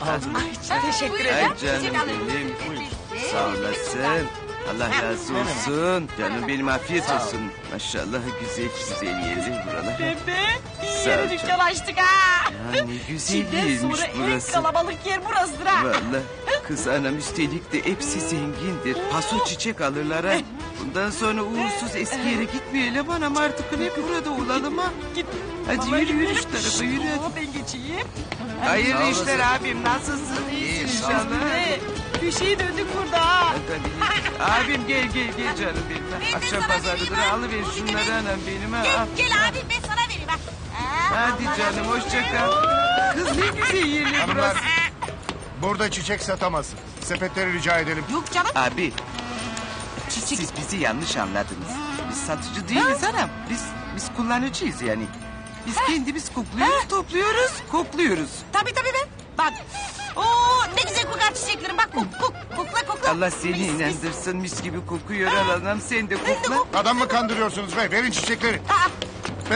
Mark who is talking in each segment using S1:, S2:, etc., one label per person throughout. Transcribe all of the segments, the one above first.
S1: Teşekkür
S2: Ay
S1: ederim.
S2: canım benim. Sağ olasın. Allah razı olsun. Canım benim afiyet olsun. Maşallah güzel güzel yerler buralar.
S1: Bebe
S2: Sağ ol
S1: yeni
S2: canım.
S1: dükkan açtık ha.
S2: Ya ne güzel
S1: Çin'den
S2: yermiş
S1: sonra en
S2: burası.
S1: kalabalık yer burasıdır ha.
S2: Vallahi kız anam üstelik de hepsi zengindir. Paso çiçek alırlar ha. Bundan sonra uğursuz eski yere gitmeyelim anam artık hep burada olalım ha.
S1: Git.
S2: Hadi
S1: Vallahi
S2: yürü yürü
S1: gidelim.
S2: şu tarafa yürü hadi.
S1: Ben geçeyim.
S2: Hayırlı işler abim nasılsın iyisin inşallah.
S1: Köşeyi döndük burada ha.
S2: Tabii. Abim gel canım benim. Akşam pazarıdır alıver şunları anam benim ha. Al.
S3: Gel abi ben sana vereyim ha.
S2: Hadi canım hoşça kal. Kız ne güzel yerler
S4: Hanımlar,
S2: burası.
S4: burada çiçek satamazsın. Sepetleri rica edelim.
S3: Yok canım.
S2: Abi siz bizi yanlış anladınız. Biz satıcı değiliz anam. Biz kullanıcıyız yani. Biz kendimiz kokluyoruz, topluyoruz, kokluyoruz.
S3: Tabii be. Bak. Oo ne güzel kokar çiçeklerim. Bak kokla.
S2: Allah seni inandırsın mis gibi kokuyor al anam sen de kokla.
S4: Adam mı kandırıyorsunuz be? Verin çiçekleri. Ver.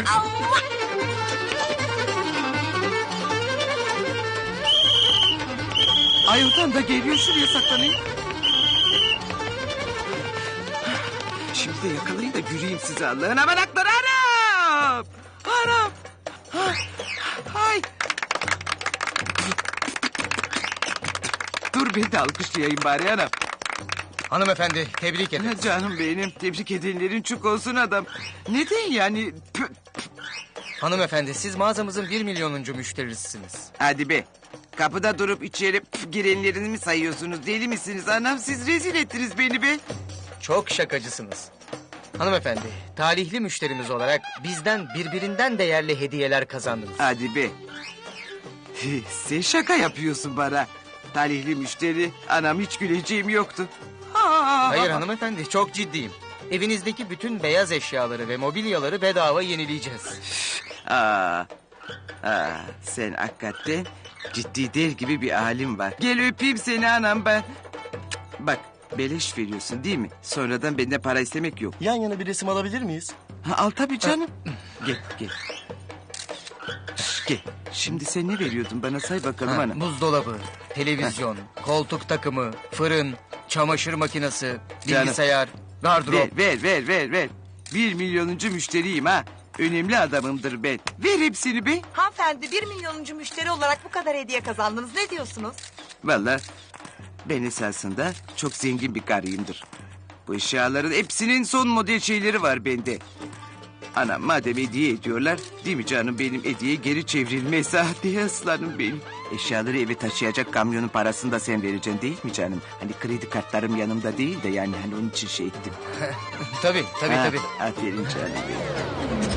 S2: Ay oradan da geliyor şuraya saklanayım. Şimdi de yakalayın da yürüyeyim size Allah'ın amanakları anam. Anam. Ay. Dur ben de alkışlayayım bari anam.
S5: Hanımefendi tebrik ederim.
S2: Canım benim tebrik edenlerin çok olsun adam. Neden yani?
S5: Hanımefendi siz mağazamızın 1 milyonuncu müşterisiniz.
S2: Hadi be. Kapıda durup içeri girenlerini mi sayıyorsunuz? Deli misiniz anam? Siz rezil ettiniz beni be.
S5: Çok şakacısınız. Hanımefendi talihli müşterimiz olarak bizden birbirinden değerli hediyeler kazandınız.
S2: Hadi be. Sen şaka yapıyorsun bana. Talihli müşteri. Anam hiç güleceğim yoktu.
S5: Hayır hanımefendi çok ciddiyim. Evinizdeki bütün beyaz eşyaları ve mobilyaları bedava yenileyeceğiz.
S2: Sen hakikaten ciddi der gibi bir halim var. Gel öpeyim seni anam ben. Bak beleş veriyorsun değil mi? Sonradan benden para istemek yok.
S6: Yan yana bir resim alabilir miyiz?
S2: Al tabii canım. Gel. Gel. Şimdi sen ne veriyordun bana say bakalım ana.
S5: Buzdolabı, televizyon, koltuk takımı, fırın, çamaşır makinesi, bilgisayar, gardırop.
S2: Ver. 1 milyonuncu müşteriyim ha. Önemli adamımdır ben. Ver hepsini be.
S1: Hanımefendi 1 milyonuncu müşteri olarak bu kadar hediye kazandınız. Ne diyorsunuz?
S2: Vallahi ben esasında çok zengin bir karıyımdır. Bu eşyaların hepsinin son model şeyleri var bende. Anam madem hediye ediyorlar değil mi canım benim hediye geri çevrilmez ha diye aslanım benim. Eşyaları eve taşıyacak kamyonun parasını da sen vereceksin değil mi canım? Hani kredi kartlarım yanımda değil de yani hani onun için şey ettim.
S5: Tabii.
S2: Aferin canım benim.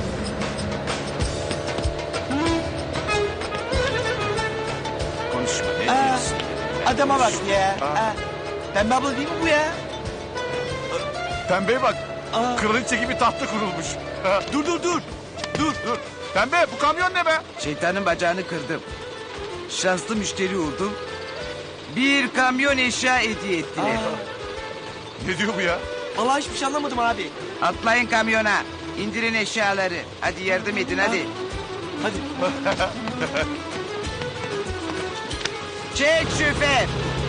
S4: Konuşma. Ne diyorsun?
S6: Adama bak ya. Pembe abla değil mi bu ya?
S4: Pembeye bak. Kraliçe gibi tahta kurulmuş. Dur. Pembe bu kamyon ne be?
S2: Şeytanın bacağını kırdım. Şanslı müşteri oldum. Bir kamyon eşya hediye ettiler.
S4: Ne diyor bu ya?
S6: Vallahi hiçbir şey anlamadım abi.
S2: Atlayın kamyona. İndirin eşyaları. Hadi yardım edin hadi.
S6: Hadi.
S2: Çek şoför.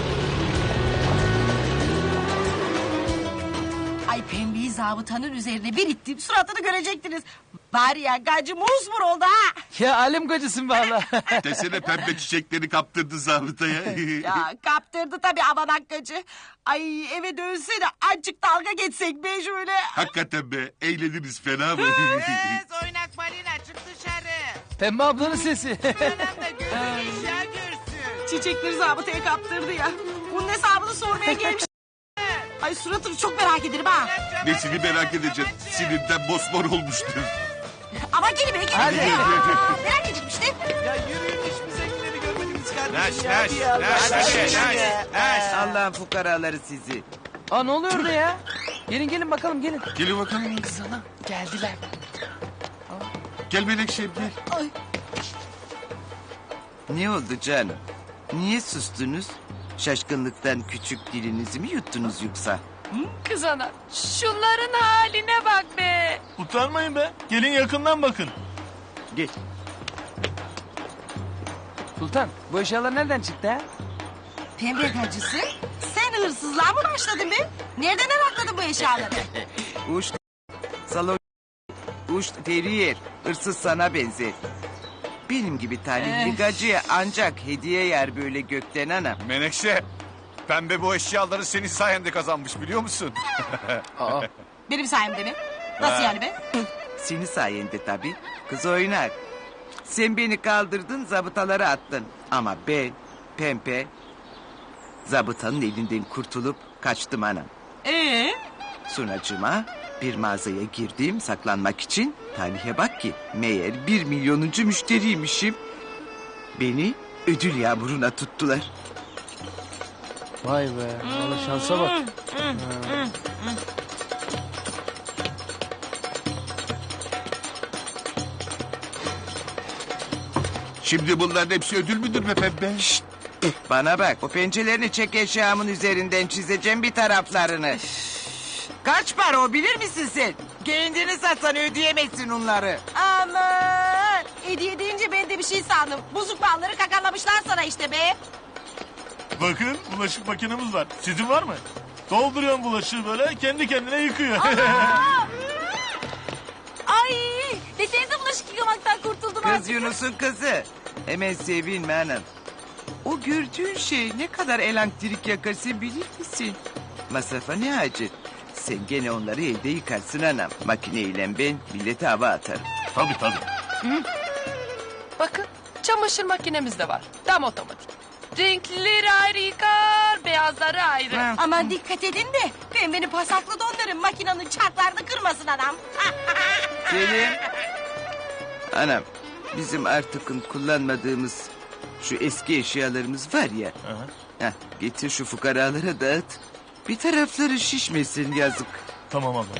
S3: Ay pembeyi zabıtanın üzerine bir ittim suratını görecektiniz. Bari ya gacı musmur oldu ha.
S6: Ya alem gacısın valla.
S7: Desene pembe çiçekleri kaptırdı zabıtaya.
S3: Ya kaptırdı tabii avanak gacı. Ay eve dönse de azıcık dalga geçsek be şöyle.
S7: Hakikaten be eğleniriz fena mı?
S1: Kız oynak balina çık dışarı.
S6: Pembe ablanın sesi.
S1: Anam da gözünü eşya görsün.
S3: Çiçekleri zabıtaya kaptırdı ya. Bunun hesabını sormaya gelmiş. Ay suratını çok merak ederim ha.
S7: Nesini merak edeceğim. Sinirden mosmor olmuştur.
S3: Ama gel be gel.
S6: Hadi.
S3: Merak ettim işte.
S6: Ya yürüyün hiçbir zenginleri görmediniz
S7: Naş,
S6: kardeşim ya.
S7: naş.
S2: Allah'ın fukaraları sizi.
S6: Aa ne oluyor orada ya? Gelin bakalım gelin.
S7: Gelin bakalım.
S6: Kız ana geldiler.
S7: Gel Melekşem gel.
S2: Ne oldu canım? Niye sustunuz? Şaşkınlıktan küçük dilinizi mi yuttunuz yoksa?
S1: Kız ana şunların haline bak be.
S6: Utanmayın be. Gelin yakından bakın.
S2: Gel.
S8: Sultan bu eşyalar nereden çıktı ha?
S3: Pembe gacısı sen hırsızlığa mı başladın be? Nereden arakladın bu eşyaları?
S2: Uç salon uç terrier hırsız sana benzer. Benim gibi talihli gacıya ancak hediye yer böyle gökten anam.
S4: Menekşe. Pembe bu eşyaları senin sayende kazanmış biliyor musun?
S5: Aa,
S3: Benim sayemde mi? Nasıl yani be?
S2: Senin sayende tabii. Kız oynak. Sen beni kaldırdın zabıtaları attın. Ama ben pembe zabıtanın elinden kurtulup kaçtım anam. Sunacıma bir mağazaya girdim saklanmak için. Talihe bak ki meğer 1 milyonuncu müşteriymişim. Beni ödül yağmuruna tuttular.
S8: Vay be. Vallahi şansa bak.
S7: Şimdi bunların hepsi ödül müdür be pembe?
S2: Bana bak o pençelerini çek eşyamın üzerinden çizeceğim bir taraflarını. Kaç para o bilir misin sen? Kendini satsan ödeyemezsin onları.
S3: Aman! Hediye deyince ben de bir şey sandım. Buzuk balları kakalamışlar sana işte be.
S9: Bakın bulaşık makinemiz var. Sizin var mı? Dolduruyorsun bulaşığı böyle kendi kendine yıkıyor.
S3: Ay! Desenize bulaşık yıkamaktan kurtuldum
S2: Kız Yunus'un kızı. Hemen sevinme hanım. O gördüğün şey ne kadar elektrik yakar sen bilir misin? Masrafa ne hacet? Sen gene onları evde yıkarsın anam. Makineyle ben millete hava atarım.
S9: Tabii tabii.
S10: Bakın çamaşır makinemiz de var. Tam otomatik. Renklileri ayrı yıkar, beyazları ayrı.
S3: Aman dikkat edin de pembenin pasaklı donların makinenin çarklarını kırmasın adam.
S2: Selim. Anam bizim artık kullanmadığımız şu eski eşyalarımız var ya. Heh, getir şu fukaralara dağıt. Bir tarafları şişmesin yazık.
S9: Tamam abla.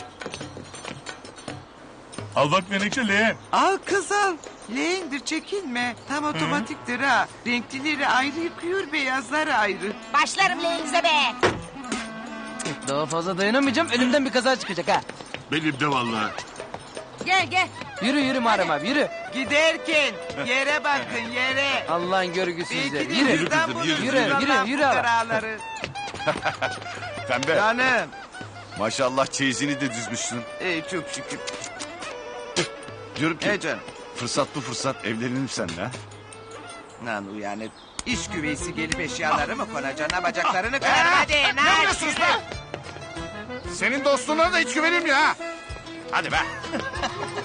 S9: Al bak Menekşe leğen.
S2: Al kız al. Leğendir çekinme. Tam otomatiktir ha. Renklileri ayrı yıkıyor beyazları ayrı.
S3: Başlarım leğenize be.
S8: Daha fazla dayanamayacağım. Önümden bir kaza çıkacak ha.
S7: Benim de vallahi.
S3: Gel gel.
S8: Yürü Muharrem abi yürü.
S2: Giderken yere bakın yere.
S8: Allah'ın görgüsüzleri.
S2: Belki de
S8: Yürü.
S2: bizden
S7: kızım,
S2: bulursunuz
S7: yürü,
S2: Allah'ın
S8: yürü abi.
S2: fukaraları.
S4: Pembe.
S2: Canım.
S4: Maşallah çeyizini de düzmüşsün.
S2: Çok şükür.
S4: Diyorum ki
S2: He canım.
S4: fırsat bu fırsat evlenelim seninle ha.
S2: Lan uyanık. İş güveysi gelip eşyaları mı konacaksın? Bacaklarını kırar hadi.
S4: Ne yapıyorsunuz lan? Senin dostluğuna da hiç güvenim ya. Hadi be.